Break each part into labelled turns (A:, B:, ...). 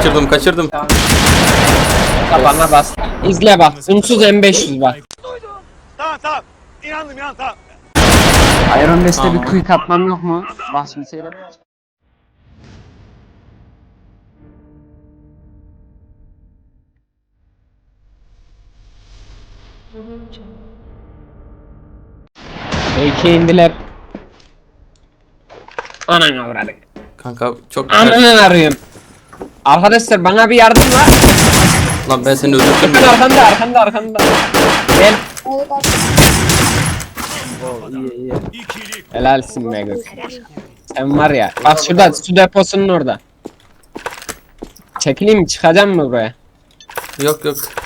A: Kaçırdım.
B: Bana bas. İzle bak. Unsuz M500 bak.
C: Tamam. İnandım tamam.
B: Iron Man'de bir quick atmam yok mu? Bak şimdi seyret. Belki indiler. Anan avradık.
A: Kanka çok
B: Ananı arıyorum. Arkadaşlar bana bir yardım var.
A: Lan ben seni öldürdüm
B: Bakın
A: ya.
B: arkanda. Gel.
D: İyi.
B: Helalsin be kız. Sen var ya. Bak şurada su deposunun orada. Çekileyim mi? Çıkacağım mı buraya?
A: Yok.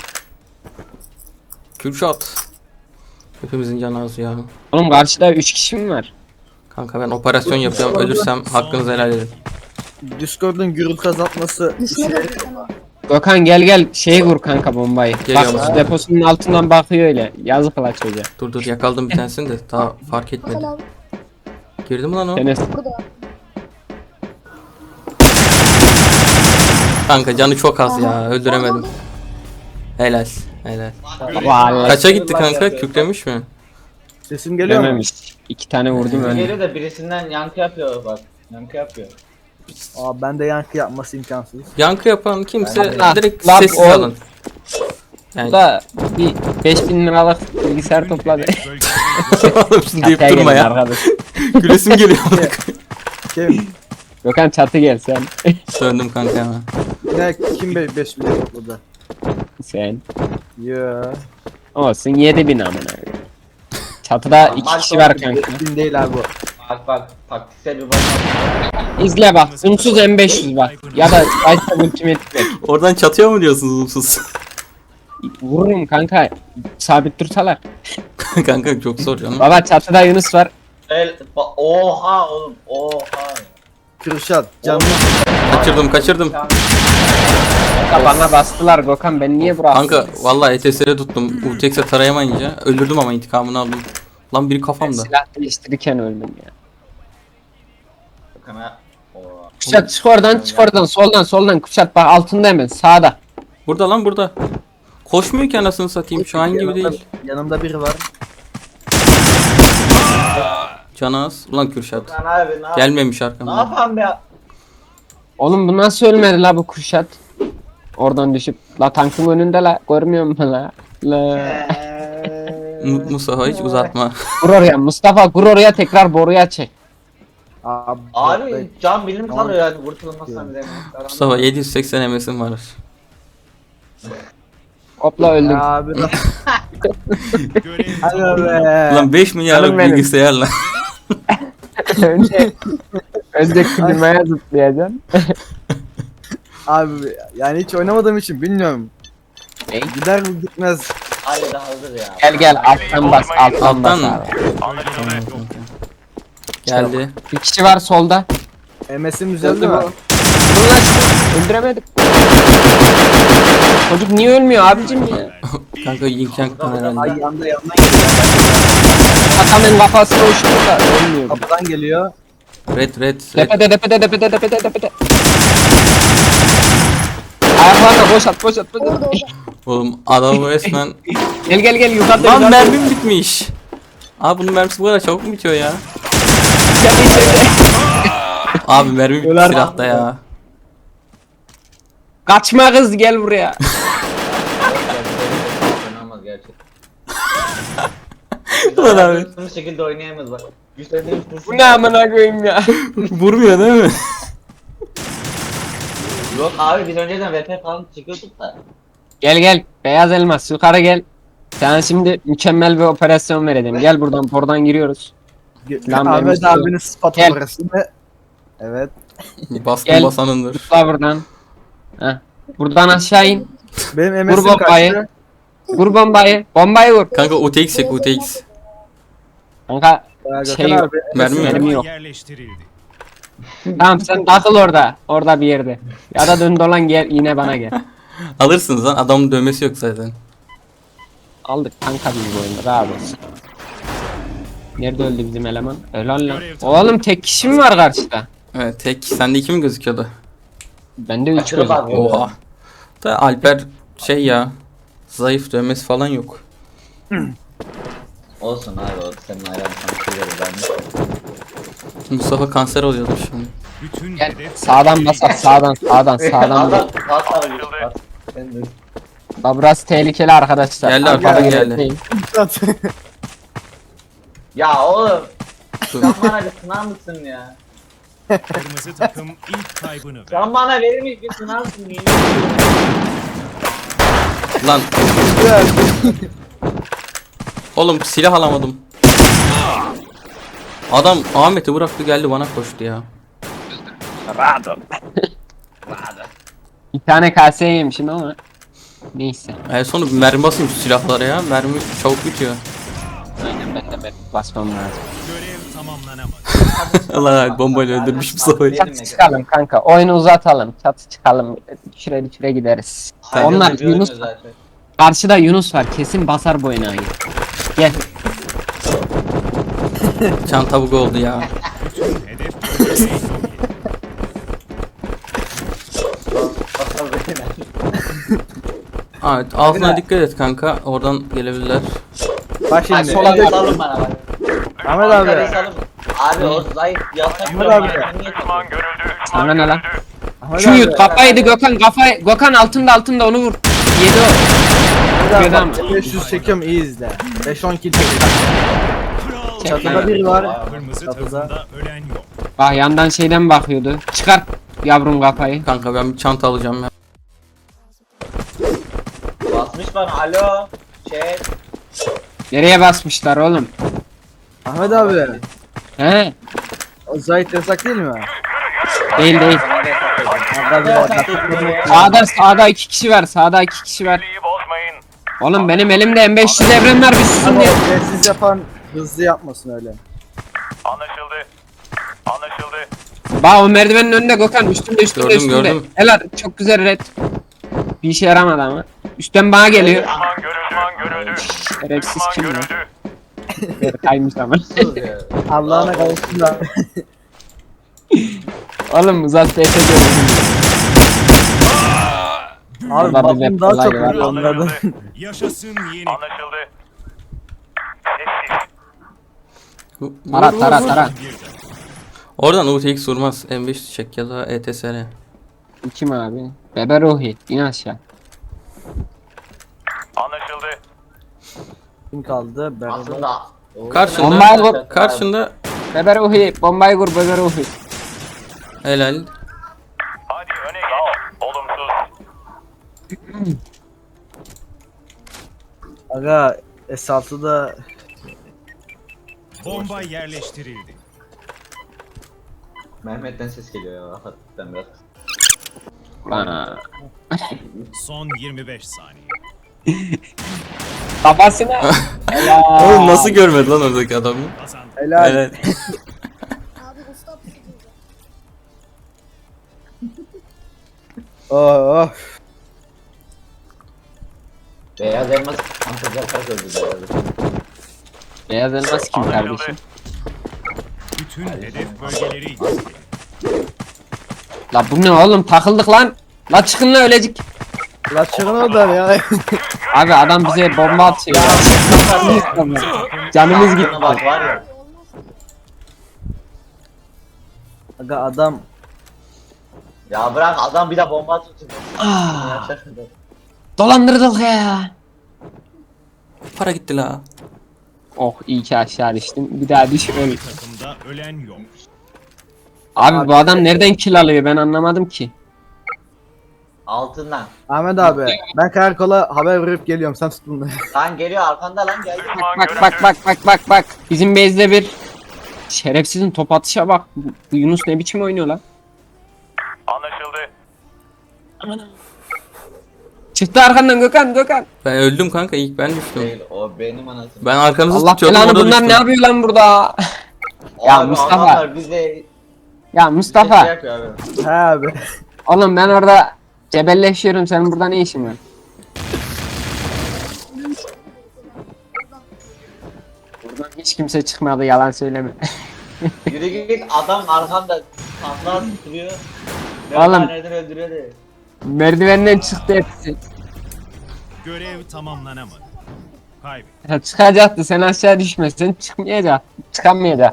A: Kürşat. Hepimizin canı az ya.
B: Oğlum karşıda 3 kişi mi var?
A: Kanka ben operasyon yapıyorum. Ölürsem hakkınızı helal edin.
D: Discord'un gürültü azaltması
B: Gökhan gel şeyi vur kanka bombayı.
A: Geliyorum.
B: Bak su deposunun altından bakıyor öyle. Yazık la çocuğa.
A: Dur yakaladım bir tanesini de daha fark etmedi. Girdi mi lan o?
B: Enes.
A: Kanka canı çok az ya. Öldüremedim. Helal.
B: Vallahi
A: Kaça gitti kanka? Kükremiş mi?
D: sesim geliyor mu?
B: dememiş. 2 tane vurdum önüne.
E: Geliyor da birisinden yankı yapıyor bak. Yankı yapıyor.
D: Aa bende yankı yapması imkansız.
A: Yankı yapan kimse
B: Ha,
A: direkt
B: lan
A: sessiz
B: oğlum.
A: alın.
B: Bu
A: Yani
B: da bir 5000 liralık bilgisayar topladı.
A: oğlum şimdi deyip
B: Çatıya
A: durma
B: gelin
A: ya.
B: arkadaş.
A: Gülesim geliyor.
D: Kim?
B: Gökhan çatı gel sen.
A: Döndüm kanka hemen.
D: Ne kim 5 milyon topladı?
B: Sen.
D: Ya.
B: Olsun 7000 amına. Çatıda 2 kişi var kanka.
D: 1000 değil abi bu.
E: Bak taktiksel bir bakma.
B: İzle bak. Unsuz M500 bak. Ya da Ice Ultimate bak.
A: Oradan çatıyor mu diyorsunuz umsuz?
B: Vururum kanka. Sabit dursalar.
A: Kanka çok zor canım.
B: Baba çatıda Yunus var.
E: Oha oğlum oha.
D: Kürşat canlı.
A: Kaçırdım.
B: Kanka bana bastılar Gökhan ben niye buraya
A: Kanka vallahi ETS'e tuttum. UTX'e tarayamayınca öldürdüm ama intikamını aldım. Lan biri kafamda.
B: silah değiştirirken öldüm ya.
E: Bakana. Oha.
B: Kuşat çık oradan soldan Kuşat bak altında hemen sağda.
A: Burada. Koşmuyor ki anasını satayım. Şu an gibi değil.
D: Yanımda biri var.
A: Canı az. Ulan Kürşat.
E: Bakana abi ne yap?
A: Gelmemiş
E: Ne
A: arkamdan.
E: yapalım be?
B: Oğlum bu nasıl ölmedi la bu Kuşat? Oradan düşüp la tankın önünde la görmüyor musun la?
A: Mustafa hiç uzatma.
B: Gur oraya Mustafa gur oraya tekrar boruya çek.
E: Abi can bilim kalıyor yani kurtulmazsan bize.
A: Mustafa 780 MS'im var.
B: Hopla öldüm.
D: Abi. Hadi be.
A: Ulan 5 milyarlık
B: Canım benim.
A: bilgisayarla.
B: önce klimaya zıplayacaksın.
D: Abi yani hiç oynamadığım için bilmiyorum.
B: Ne?
D: Gider mi gitmez.
E: Hayır daha hazır ya.
B: Gel alttan bas alttan bas
A: Alttan mı?
B: abi.
A: Geldi.
B: Bir kişi var solda.
D: MS'im düzeldi
B: Öldü
D: mi?
B: bu. Dur lan şunu öldüremedik. Çocuk niye ölmüyor abicim ya?
A: Kanka Yink Yank'tan herhalde.
D: Ay yandan geliyor.
B: Adamın kafasına uçtu da ölmüyor.
D: Kapıdan geliyor.
A: Red.
B: Tepede. Ayaklarına boşalt.
A: Oğlum adam resmen.
B: Gel yukarıda.
A: Lan mermim bitmiş. Abi bunun mermisi bu kadar çabuk mu bitiyor ya?
B: Gel içeri.
A: Abi mermi bitti
B: Öler.
A: silahta ya.
B: Kaçma kız gel buraya.
E: Oynanmaz gerçekten.
A: Ulan abi.
E: Bu şekilde oynayamayız bak. Güçlendiğimiz kurşun.
B: Bu ne amına koyayım ya.
A: Vurmuyor değil mi?
E: Yok abi biz önceden VP falan çıkıyorduk da.
B: Gel beyaz elmas yukarı gel. Sana şimdi mükemmel bir operasyon vereceğim. Gel buradan giriyoruz. Lan
D: Ahmet
B: benim
D: abinin spat
B: Gel.
D: orası. Evet.
A: Baskın
B: Gel.
A: basanındır.
B: Tutla buradan. Heh. Buradan aşağı in.
D: Benim
B: Vur
D: MS'im
B: bombayı.
D: kaçtı.
B: Vur bombayı. Bombayı vur.
A: Kanka UTX çek UTX.
B: Kanka
D: Gökhan
B: Şey yok.
D: abi,
A: Mermi mi?
B: mermi yok.
C: Yerleştirildi.
B: Tamam sen takıl orada. Orada bir yerde. Ya da dön dolan gel yine bana gel.
A: Alırsınız lan adamın dövmesi yok zaten.
B: Aldık kanka bizim oyunda rahat olsun. Nerede öldü bizim eleman? Helal lan. Oğlum tek kişi mi var karşıda?
A: Evet tek. Sende 2 mi gözüküyordu?
B: Bende 3
E: Aşırı
B: göz.
E: var.
A: Oha. Da Alper şey ya. Zayıf, dövmesi falan yok.
E: Olsun abi o senin ayağın sana şey verir ben.
A: Mustafa kanser oluyordu şimdi.
F: Bütün
B: Gel
F: hedef
B: sağdan basar sağdan.
E: Adam
B: Bak
E: Ben de.
B: burası tehlikeli arkadaşlar.
A: Geldi
B: Arkadan
A: arkadan
B: gelen
A: geldi.
B: değil.
E: Ya oğlum
A: Dur.
E: sen bana bir sınav mısın ya?
F: kırmızı takım ilk kaybını verdi.
E: Sen bana verir misin bir sınavsın ya?
A: Lan oğlum silah alamadım. Adam Ahmet'i bıraktı geldi bana koştu ya.
B: Bir tane kaseye yemişim ama. Neyse.
A: En sonu bir mermi basayım şu silahlara ya. Mermi çabuk bitiyor.
B: Aynen ben de basmam lazım.
F: Görev tamamlanamadı.
A: Allah bombayla öldürmüş Mustafa'yı.
B: Çatı çıkalım kanka. Oyunu uzatalım. Çatı çıkalım. Düşüre gideriz. Onlar
E: Ayrıca bir
B: Yunus.
E: oynuyor zaten.
B: Karşıda Yunus var. Kesin basar bu enayi. Gel.
A: Çanta bug oldu ya.
F: Bütün hedef bölgeleri yok edildi.
E: Bakalım beyler.
A: Evet altına dikkat et kanka. Oradan gelebilirler.
D: Bak
E: Bak
D: şimdi.
E: sola bir salın bana bak.
D: Ahmet
E: Yukarı
D: abi.
E: salın. Abi o zayıf yasak.
D: Ahmet abi.
B: Sana ne lan?
D: Ahmet
B: Şu
D: abi.
B: yut kafaydı Gökhan kafayı. Gökhan altında onu vur. Yedi o.
D: Ahmet
B: Gökhan.
D: abi, 500 çekiyorum iyi izle. 5-10 kill çekiyorum. Çatıda biri var.
F: Kırmızı
D: Çatıda.
F: takımda ölen yok.
B: Bak yandan şeyden bakıyordu. Çıkar yavrum kafayı.
A: Kanka ben bir çanta alacağım ya.
E: Basmış bana alo. Chat.
B: Nereye basmışlar oğlum?
D: Ahmet abi.
B: He?
D: O Zahit yasak değil mi?
B: Değil değil. Sağda 2 kişi var. Sağda 2 kişi var. Oğlum benim elimde M500 evren var bir susun
D: Ama
B: diye.
D: siz yapan hızlı yapmasın öyle.
B: Bak o merdivenin önünde Gökhan üstünde
A: Gördüm, gördüm.
B: Helal çok güzel red. Bir işe yaramadı ama. Üstten bana geliyor. Şerefsiz kim ya? Kaymış ama.
D: Allah'ına kavuşsunlar.
B: Oğlum uzat DS diyorum.
D: Abi
B: Vallahi
D: bakım
B: bir
D: daha
B: kolay
D: çok
B: var.
D: vuruyor onlardan.
F: Yaşasın yeni.
B: Tara.
A: Oradan UTX vurmaz. M5 çek ya da ETSR.
B: Kim abi? Bebe Ruhi. İn aşağı.
D: Kim kaldı? Ben
E: Aslında.
B: Bombayı vur.
A: Karşında
B: Bebe Ruhi. Bombayı vur Bebe Ruhi.
A: helal.
D: Aga S6'da
F: Bomba yerleştirildi.
E: Mehmet'ten ses geliyor ya. Hafiften biraz.
B: Bana.
F: Son 25 saniye.
B: Kafasına. Helal.
A: Oğlum nasıl görmedi lan oradaki adamı?
F: Kazandı.
D: helal.
A: Helal.
D: Oh.
E: Beyaz elmas antacaklar öldü beyazı.
B: Beyaz elmas kim kardeşim?
F: Bütün hedef bölgeleri izledi.
B: La bu ne oğlum takıldık lan. La çıkın la ölecek.
D: La çıkın oradan ya.
B: Abi adam bize bomba atıyor. Canımız gitti.
E: Aklına bak var ya.
D: Aga adam
E: Ya bırak adam bir de bomba atıyor.
B: Dolandırdık ya.
A: Para gitti la.
B: Oh iyi ki aşağı düştüm. Bir daha düş öl.
F: Takımda ölen yok.
B: Abi bu adam nereden kill alıyor ben anlamadım ki.
E: Altından.
D: Ahmet abi ben karakola haber verip geliyorum sen tut bunları.
E: Lan geliyor arkanda lan geldi.
B: Bak. Bizim base'de bir şerefsizin top atışa bak. Bu Yunus ne biçim oynuyor lan? Anlaşıldı. Çıktı arkandan Gökhan.
A: Ben öldüm kanka ilk ben düştüm.
E: Değil o benim anasım.
A: Ben arkanızı
B: Allah
A: tutuyordum
B: belanı
A: orada
B: bunlar
A: düştüm.
B: ne yapıyor lan burada? Ya
E: Abi
B: Mustafa.
E: adamlar bize
B: Ya
E: şey
B: Mustafa.
E: yapıyor abi.
D: He abi.
B: Oğlum ben orada cebelleşiyorum senin burada ne işin var? Buradan hiç kimse çıkmadı yalan söyleme.
E: Yürü git adam arkanda patlar tutuyor.
B: Oğlum.
E: Nereden öldürüyor de.
B: Merdivenden çıktı hepsi.
F: Görev tamamlanamadı. Kaybet.
B: Ya çıkacaktı, sen aşağı düşmezsen çıkmayacak. Çıkamayacak.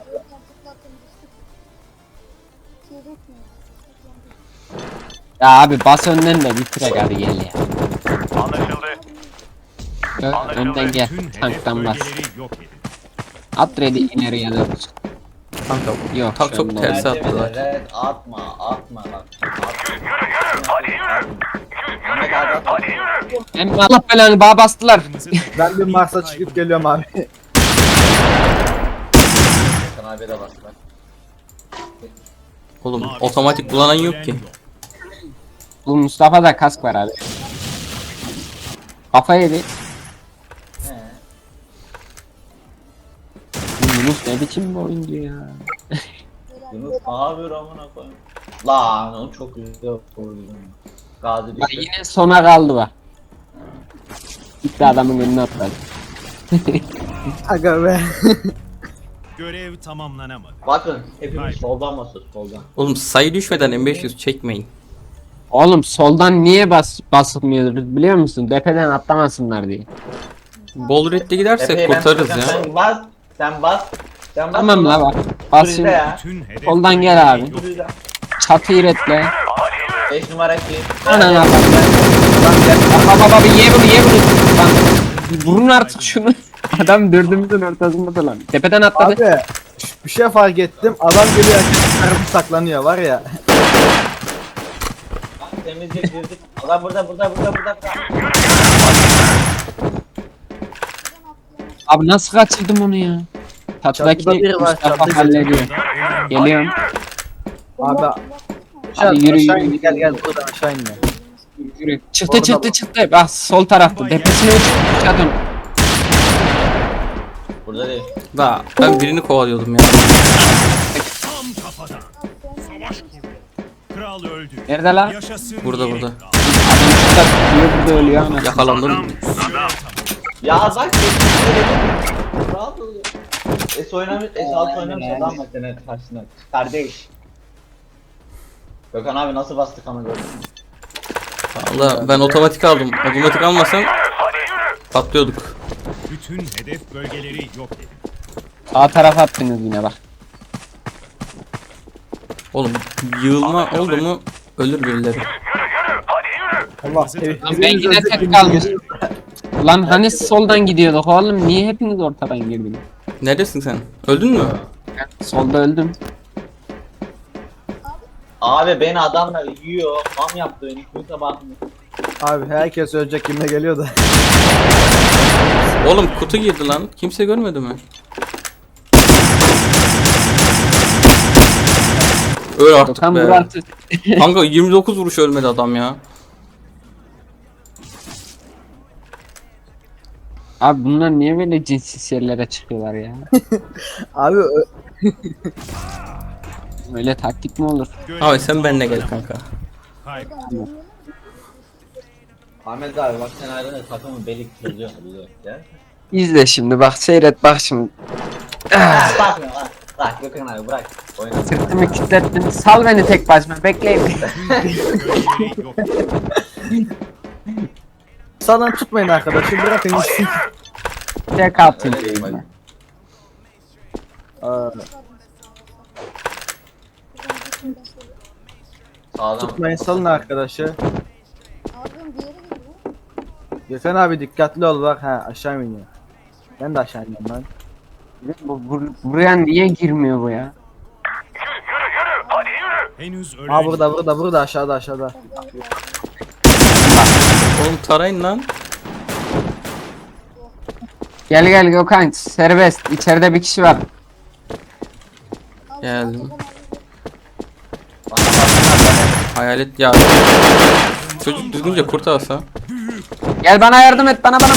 B: Ya abi bas önden de bitirek hadi gel ya.
C: Anlaşıldı.
B: Önden gel.
F: Bütün hedef
B: Tanktan bas.
F: bölgeleri yok edin.
B: At ready ileriye doğru.
A: Kanka
B: Yok,
A: tak
B: şu
A: çok
B: anda
A: tersi
E: Mertebe
A: attılar.
E: red atma bak. Hadi yürü. Mehmet abi atma.
B: Hem Allah belanı bağ bastılar.
F: Kırmızı takım
D: Ben bir
F: ilk
D: Mars'a
F: kaybı.
D: çıkıp geliyorum abi.
E: Sen abi de bas bak.
A: Oğlum
F: Mavi
A: otomatik kullanan yok ki.
B: Bu Mustafa'da kask var abi. Kafa yedi.
E: He.
B: Bu Yunus ne biçim bir oyuncu ya.
E: Yunus ne yapıyor amına koyayım? Lan o çok güzel vurdum. Gazi
B: Bak
E: düştü.
B: yine sona kaldı bak. Gitti adamın önüne atladı.
D: Aga be.
F: Görev tamamlanamadı.
E: Bakın hepimiz
F: Hayır.
E: soldan basıyoruz soldan.
A: Oğlum sayı düşmeden M500 çekmeyin.
B: Oğlum soldan niye basılmıyoruz biliyor musun? Depeden atlamasınlar diye.
A: Bol redde gidersek
E: Efe'ye ben
A: kurtarırız
E: tutacağım,
A: ya.
E: Sen bas. Sen bas. Sen bas.
B: Tamam la bak.
E: Dur
B: Bas
E: izle
B: şimdi.
E: ya.
F: Bütün hedef
B: Soldan gel
F: bölgeleri
B: abi.
F: yok
E: Dur izle.
B: Çatıyı retle.
E: 5 numara ki.
B: Anan abi. Baba bir ye bunu ye bunu. Lan vurun artık şunu. Adam dördümüzün ortasında da lan. Tepeden atladı.
D: Abi bir şey fark ettim. Adam geliyor herkes saklanıyor var ya.
E: Temizce girdik. Adam burada.
B: Abi nasıl kaçırdım onu ya?
D: Çatıda
B: Çatıdaki
D: biri var,
B: Mustafa
D: çatıda.
B: hallediyor.
F: ölen
B: Geliyorum.
D: Abi
B: Hadi yürü,
D: aşağı
B: yürü,
D: in, gel
B: yürü.
D: gel buradan aşağı in.
B: Yürü. Çıktı
D: Orada
B: çıktı
D: bak.
B: çıktı. Bak sol tarafta. Tepesine uçağa dön.
E: Burada değil.
A: Da ben birini kovalıyordum ya.
F: tam kafadan. Savaş kurdu. Kral öldü.
B: Nerede lan?
F: Yaşasın
A: Burada,
F: yeni
A: burada.
F: kral.
B: Adam şurada tutuyor burada ölüyor ana.
A: Yakalandım.
F: Görev tamam.
E: Ya bak dedim. Rahat ol ya. S6 oynamış adam var senin karşısına. Kardeş. Gökhan abi nasıl bastık ama gördün mü?
A: Valla ben otomatik aldım. Otomatik almasam patlıyorduk.
F: Bütün hedef bölgeleri yok edin.
B: Sağ tarafa attınız yine bak.
A: Oğlum yığılma oldu mu ölür birileri.
D: Allah
B: Lan ben yine tek kalmış. Lan hani soldan gidiyorduk oğlum niye hepiniz ortadan girdiniz?
A: Neredesin sen? Öldün mü?
B: Ben solda öldüm.
E: Abi beni adamlar yiyor. Mam yaptı beni. Kimse bakmıyor.
D: Abi herkes ölecek kimle geliyor da.
A: Oğlum kutu girdi lan. Kimse görmedi mi? Öl artık
B: Gökhan
A: be.
B: Murat'ı.
A: Kanka 29 vuruş ölmedi adam ya.
B: Abi bunlar niye böyle cinsiz yerlere çıkıyorlar ya?
D: Abi
B: Öyle taktik mi olur?
F: Görev
A: Abi sen benimle gel
F: tamamlanamadı.
A: kanka.
F: Kaybet.
E: Ahmet abi bak sen ayrılır takımın beli çözüyor. Ya.
B: İzle şimdi bak seyret bak şimdi.
E: Bakma lan. Bırak Gökhan abi bırak. Oyna.
B: Sırtımı kilitlettin. Sal beni tek başıma bekleyin.
F: Bölgeleri yok edin.
D: sağdan tutmayın arkadaşım bırakın gitsin.
B: Tek atayım.
E: Öyle değil bak.
D: Aa,
E: Sağdan.
D: tutmayın salın arkadaşı.
G: Abim diğeri gidiyor.
D: Gökhan abi dikkatli ol bak ha aşağı iniyor. Ben de aşağı iniyorum lan.
B: Buraya niye girmiyor bu ya?
F: Henüz ölen
D: Aa burada aşağıda.
A: Oğlum tarayın lan.
B: Gel gel Gökhan serbest. İçeride bir kişi var.
A: Geldim.
E: Bana baksana.
A: Hayalet ya. Çocuk düzgünce kurt alsa.
B: Gel bana yardım et bana.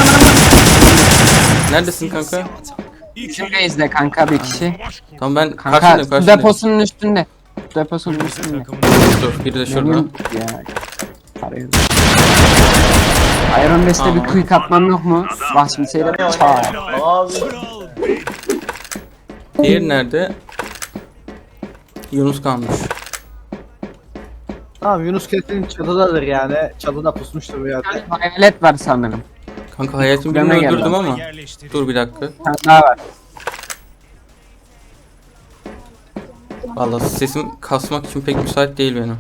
A: Neredesin kanka?
B: Bizim base'de kanka bir kişi.
A: Tamam ben
B: Kanka
A: karşındayım
B: su
A: karşındayım.
B: deposunun üstünde. Su deposunun
F: Kırmızı
B: üstünde.
F: takımın
A: Dur biri de şurada.
B: Memnun ya. Arıyorum. Iron Best'te bir
A: Tamam.
B: quick atmam yok mu? Bak şimdi seyret. Çağır.
E: Abi.
F: kral bey.
A: Diğeri nerede? Yunus kalmış.
D: Tamam Yunus kesin çatıdadır yani. Çatıda pusmuştur bir yerde.
B: Hayalet var sanırım.
A: Kanka hayatım
B: Deme
A: birini
B: gel
A: öldürdüm
B: lan.
A: ama.
F: Yerleştirin.
A: Dur bir dakika.
B: Bir tane daha var.
A: Vallahi sesim kasmak için pek müsait değil benim.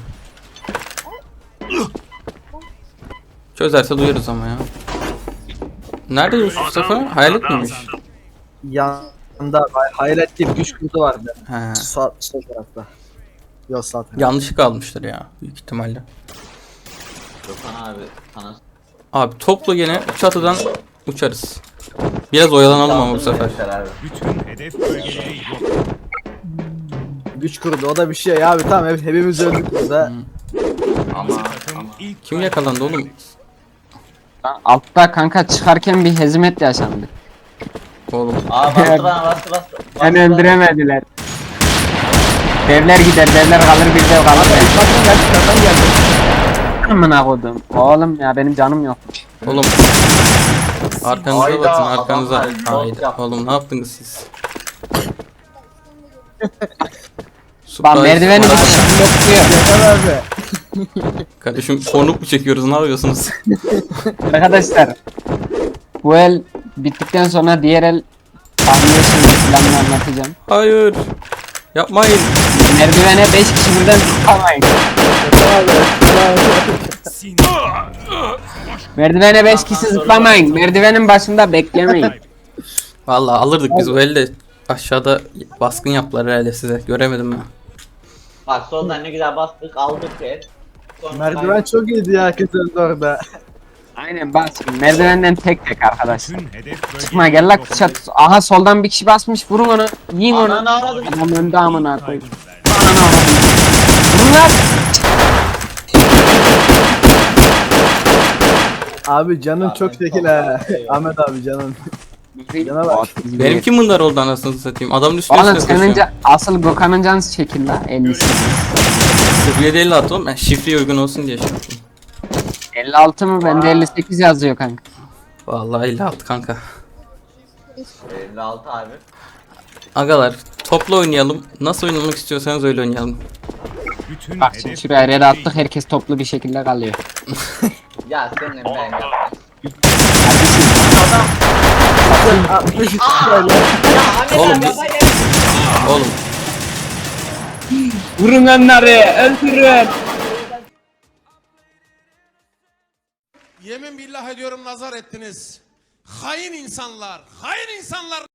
A: Çözerse duyarız ama ya. Nerede Yusuf Mustafa? Hayalet miymiş?
D: Yanında hayalet diye bir güç kurdu vardı.
A: He.
D: Sol tarafta. Yok sağ tarafta.
A: Yanlışlıkla almıştır ya büyük ihtimalle.
E: Gökhan abi sana
A: Abi toplu gene çatıdan uçarız. Biraz oyalanalım ama bu sefer.
E: Abi.
F: Bütün hedef bölgeleri yok.
D: Güç kurdu o da bir şey ya abi tamam hepimiz öldük burada.
E: Ama
F: Takım ilk
A: Kim yakalandı oğlum?
B: Altta kanka çıkarken bir hezimet yaşandı.
A: Oğlum.
E: Aa bastı.
B: Beni öldüremediler. Devler gider, devler kalır, bir dev kalır.
D: Kaptan geldi.
B: Amına kodum. Oğlum ya benim canım yok.
A: Oğlum. Arkanıza
E: Hayda,
A: bakın arkanıza.
E: adamlar çok
A: Hayda.
E: yaptı.
A: Oğlum ne yaptınız siz?
B: Bak
A: Surprise,
B: merdiveni
A: surprise.
B: bakıyor.
D: Yeter abi.
A: Kardeşim konuk mu çekiyoruz ne yapıyorsunuz?
B: Arkadaşlar. Bu el bittikten sonra diğer el tahmin planını anlatacağım.
A: Hayır. Yapmayın.
B: Merdivene 5 kişi birden tutamayın. Merdivene 5 kişi zıplamayın. Merdivenin başında beklemeyin.
A: Vallahi alırdık biz o elde. Aşağıda baskın yaptılar herhalde size. Göremedim ben.
E: Bak soldan ne güzel bastık aldık el. Sonra
D: Merdiven çok iyiydi ya herkes öldü orada.
B: Aynen bas. Merdivenden tek tek arkadaşlar.
F: Bütün hedef bölgeleri
B: Çıkma gel lan
F: yok.
B: çat. Aha soldan bir kişi basmış. Vurun onu. Yiyin onu.
E: Ananı aradım.
B: Adam önde amına koyayım.
F: Kaybını verdi.
B: Ananı avradım. Vurun lan.
D: Abi canın çok şekil ha. Ahmet abi canın. Cana bak.
A: Benimki bunlar oldu anasını satayım. Adamın üstüne
B: Oğlum
A: üstüne
B: senin
A: koşuyor.
B: asıl Gökhan'ın canı çekin la 50'si.
A: 0750 attı oğlum. Ben şifreye uygun olsun diye şey yaptım.
B: 56 mı? Bende 58 yazıyor kanka.
A: Vallahi 56 kanka.
E: 56 abi.
A: Agalar toplu oynayalım. Nasıl oynamak istiyorsanız öyle oynayalım.
F: Bütün
B: Bak şimdi
F: hedef
B: şuraya red
F: bölgeleri
B: attık herkes toplu bir şekilde kalıyor.
E: Ya senin ben yaptım. Ya Ahmet
A: Oğlum
E: abi
A: biz-
E: yapma ya.
A: Oğlum
B: Vurun onları öldürün.
H: Yemin billah ediyorum nazar ettiniz. Hain insanlar, hain insanlar.